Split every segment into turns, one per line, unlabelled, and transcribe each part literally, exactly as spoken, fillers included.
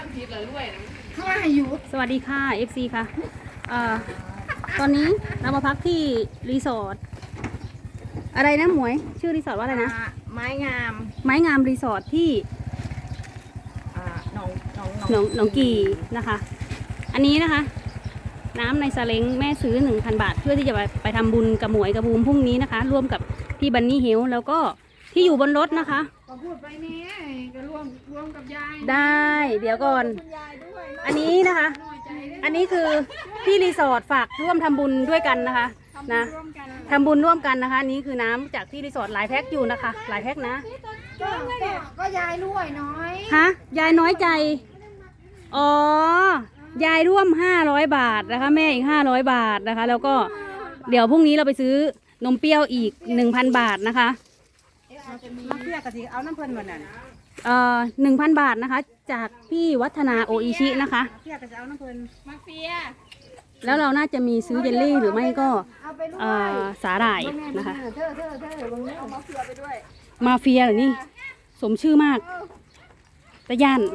สวัสดีค่ะ เอฟ ซี ค่ะเอ่อตอนนี้เรามาพักที่รีสอร์ทอะไรนะหมวยชื่อรีสอร์ทว่าอะไรนะ
อ่าไม้งาม
ไม้งามรีสอร์ทที่
อ่าหนองหนอง
หนองหนองกีนะคะ อันนี้นะคะ น้ำในซาเล้งแม่ซื้อ หนึ่งพัน บาท เพื่อที่จะไปไปทำบุญกับหมวยกับบูมพรุ่งนี้นะคะ ร่วมกับพี่บันนี่เฮลแล้วก็ที่อยู่บนรถนะคะ
ก็พูดไปเนี่ยก็ร่วมร่วมกับยาย
ได้เดี๋ยวก่อน
คุณยายด้วย
อันนี้นะคะ
น้อยใจเลย
อันนี้คือที่รีสอร์ทฝากร่วมทำบุญด้วยกันนะคะนะ
ร่วมกัน
ทำบุญร่วมกันนะคะอันนี้คือน้ำจากที่รีสอร์ทหลายแพ็คอยู่นะคะ หลายแพ็คนะ
ก็ก็ก็ยายด้วยน้อย
ฮะยายน้อยใจอ๋อยายร่วมห้าร้อยบาทนะคะ แม่อีกห้าร้อยบาทนะคะ แล้วก็เดี๋ยวพรุ่งนี้เราไปซื้อนมเปรี้ยวอีก หนึ่งพัน บาทนะคะ
มาเพื่อกะทิเอาน้ำเพลินวันนั้น
เอ่อหนึ่งพันบาทนะคะ จากพี่วัฒนาโออิชินะคะ
เพื่อกะทิเอาน้ำเพลินมาเฟีย
แล้วเราน่าจะมีซื้อเยลลี่หรือไม่ก็
เอาไปด้วย
เอ่อสาหร่ายนะคะ
เธอเธอเธอเธอบางเรื่องเอามาเฟียไปด้วย
มาเฟียเหรอนี่สมชื่อมากตะย่าน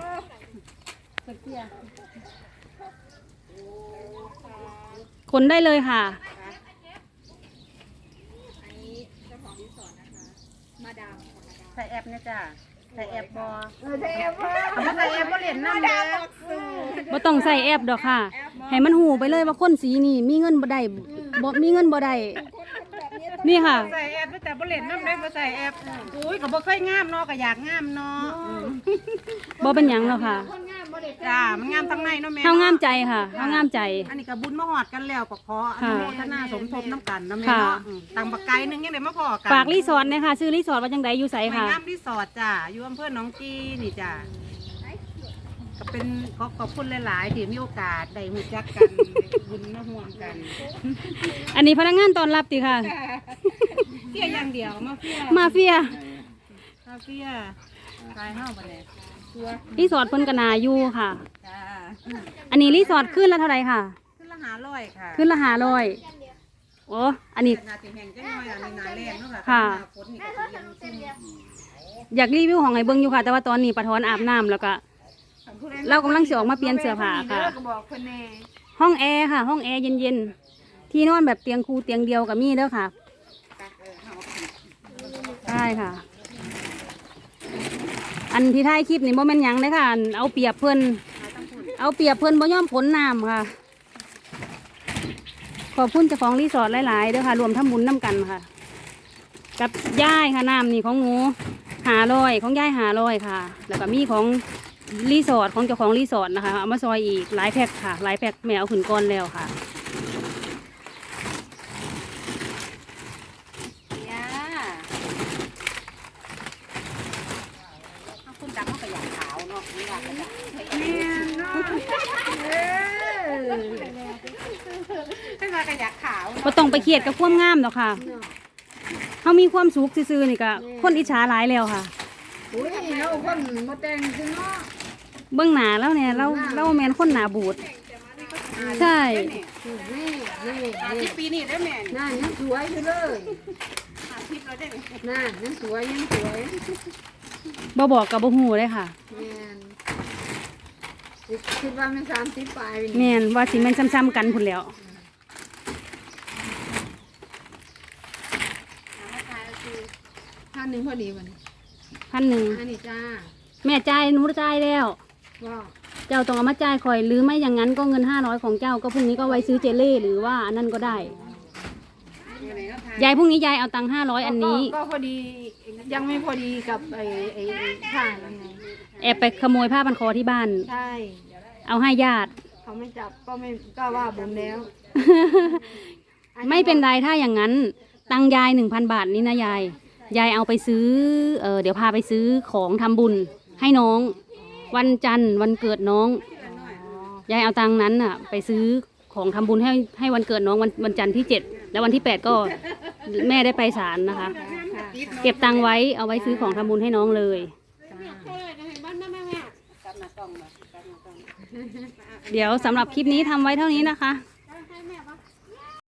คนได้เลยค่ะ
ใส่แอปเนี่ยจ้ะใส่แอปบอ
เออใช่เพื่อ
เอามาใส่แอปก็เหรียญน้ำเด้อ
บ่ต้องใส่แอปดอกค่ะ ให้มันหูไปเลยว่าคนสีนี่มีเงินบ่ได้บ่มีเงินบ่ได้นี่ค่ะ
ใส่แอปแต่บ่เหรียญน้ำได้บ่ใส่แอปอุ้ยก็บ่เคยงามเนาะก็อยากงามเนาะ
บ่เป็นหยังหรอกค่ะ
คนงามบ่ได้
จ้ามันงามทั้งในเนาะแม่
เฮางามใจค่ะเฮางามใจ
อันนี้ก็บุญมาหอดกันแล้วก็ขออนุโมทนาสมทบน้ำกันนะแม่
ค่ะ
เนาะอืมตังบักไก่นึงยังได้มาพอกัน
ฝากรีสอร์ทนะคะชื่อรีสอร์ทว่าจังไดอยู่ไส
ไม้
ค่ะ
งามรีสอร์ทจ้าอยู่อำเภอหนองกีนี่จ้าก็เป็นขอขอบคุณหลายๆที่มีโอกาสได้รู้จักกันได้บุญมาห่วมกัน
อันนี้พนักงานต้อนรับติค่ะ
เฟียอย่างเดียวมาเฟีย
มาเฟีย
มาเฟียกายเฮาบ่ได้ตัว
รีสอร์ทเพิ่นก็น่าอยู่ค่ะ
จ้า
อันนี้รีสอร์ทขึ้นละเท่าไหร่ค่ะ
ขึ้นละหาร้อยค่ะ
ขึ้นละห้าร้อยโอ้อันนี้
นาสิแห่งจังน้อยอันนี้นาแรงเนาะ
ค่ะ
หน้าฝนนี่ก็สิยังซุ่ม
อยากรีวิวของไห้เบิ่งอยู่ค่ะ แต่ว่าตอนนี้ปะทอนอาบน้ำแล้วก็ เรากำลังสิออกมาเปลี่ยนเสื้อผ้าค่ะ
ก็บอกคนแน่
ห้องแอร์ค่ะ ห้องแอร์เย็นๆ ที่นอนแบบเตียงคูเตียงเดียวกับมีเด้อค่ะใช่ค่ะ อันที่ท้ายคลิปนี่โมเมนหยังเลยค่ะอันเอาเปรียบเพิ่นเอาเปรียบเพิ่นบ่ยอมผลน้ำค่ะ ขอบคุณเจ้าของรีสอร์ทหลายๆเด้อค่ะ รวมทำบุญน้ำกันค่ะ กับย่ายค่ะน้ำนี่ของหนูหาลอยของย่ายหาลอยค่ะ แล้วก็มีของรีสอร์ทของเจ้าของรีสอร์ทนะคะเอามาซอยอีกหลายแพ็คค่ะหลายแพ็คแมวขึ้นก้อนแล้วค่ะ
ย่าถ้าคุณดังเขาก็อยากขาวเนาะไม่อยากกระดังให้มาก็อยากขาว
ก็ต้องไปเครียดกับความงามหรอกค่ะเขามีความสุขซื่อๆนี่ก็คนอิจฉาหลายแล้วค่ะ
อุ้ยเราคนบ่แต่งคือเนาะ
เบื้องหน้าแล้วเนี่ยเราเราแมนคนหนาบูดใช่
นี่นี่
ที่ปีนี้ได้แม่
นั่นยังสวยอยู่เลย
อาทิตย์เราได้
นั่นยังสวยยังสวย
บ่บอกกับบ่ฮู้เลยค่ะ
แม่นคิดว่ามันสามสิบปลาย
แมนว่าสิแมนซ้ำๆกันพุ่นแล้ว
พันหนึ่งพอดีวัน
พันหนึ่ง
อันนี้จ้า
แม่จ่ายหนูจ่ายแล้ว
ว่า
เจ้าต้องเอามาจ่ายคอยหรือไม่อย่างนั้นก็เงินห้าร้อยของเจ้าก็พรุ่งนี้ก็ไว้ซื้อเจลเล่หรือว่าอันนั้นก็ได้ยายพรุ่งนี้ยายเอาตังค์ห้าร้อยอันนี้
ก็พอดียังไม่พอดีกับไอ้ไอ้ข้างนั่นไง
แอบไปขโมยผ้าพันคอที่บ้าน
ใช่
เอาให้ญาติ
เขาไม่จับก็ไม่ก็ว่าบุญแล้ว
ไม่เป็นไรถ้าอย่างนั้น ตังค์ยายหนึ่งพันบาทนี้นะยาย ยายเอาไปซื้อเออเดี๋ยวพาไปซื้อของทำบุญให้น้อง วันจันทร์วันเกิดน้อง ยายเอาตังค์นั้นน่ะ ไปซื้อของทำบุญให้ให้วันเกิดน้องวันวันจันทร์ที่เจ็ดแล้ววันที่แปดก็แม่ได้ไปศาลนะคะ เก็บตังค์ไว้เอาไว้ซื้อของทำบุญให้น้องเลย เดี๋ยวสำหรับคลิปนี้ทำไว้เท่านี้นะคะ